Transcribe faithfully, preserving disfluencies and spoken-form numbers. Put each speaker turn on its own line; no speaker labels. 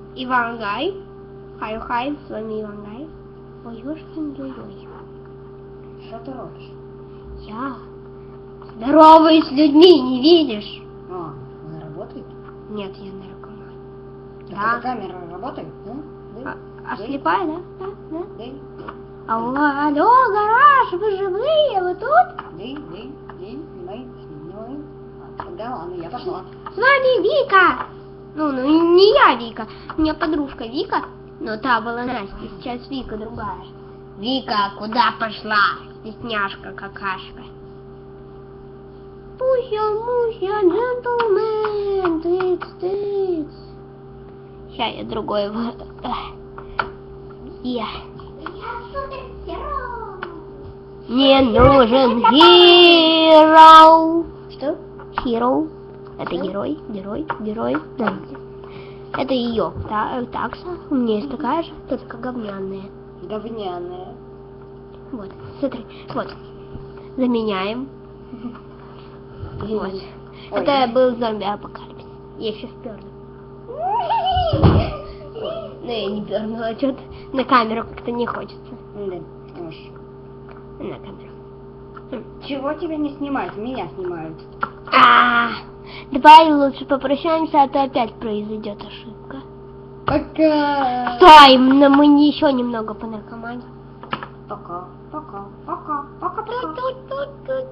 Ивангай. Хай-хай, с вами Ивангай. Ой-ой-ой-ой.
Что ты робишь?
Я здороваюсь с людьми, не видишь?
А, она работает?
Нет, я наркоман.
Да.
Да.
Камера работает? Да? Да?
А, а слепая, да? Да, да.
Да?
Алло, алло, гараж, вы живые, вы тут?
Да, да, да, мы снимаем. А, тогда ладно, я пошла.
С вами Вика. Ну, ну не я Вика, у меня подружка Вика, но та была Настя, сейчас Вика другая. Вика, куда пошла? Стесняшка какашка. Пуся, муся, джентльмен, тыц, тыц. Сейчас я другой вот. Я. Мне нужен hero.
Что?
Hero. Это герой, герой, герой. Да. Это ее. Та, такса. У меня есть такая же, только говняная.
Говняная.
Вот, смотри, вот. Заменяем. Вот.
Ой.
Это был зомби-апокалипсис. Я еще вперла. Ну, я не пернула, что-то на камеру как-то не хочется.
Да, уж.
На камеру.
Чего тебя не снимают? Меня снимают.
А, давай лучше попрощаемся, а то опять произойдет ошибка.
Пока.
Стой, но мы не еще немного по наркомании.
Пока, пока, пока, пока, пока.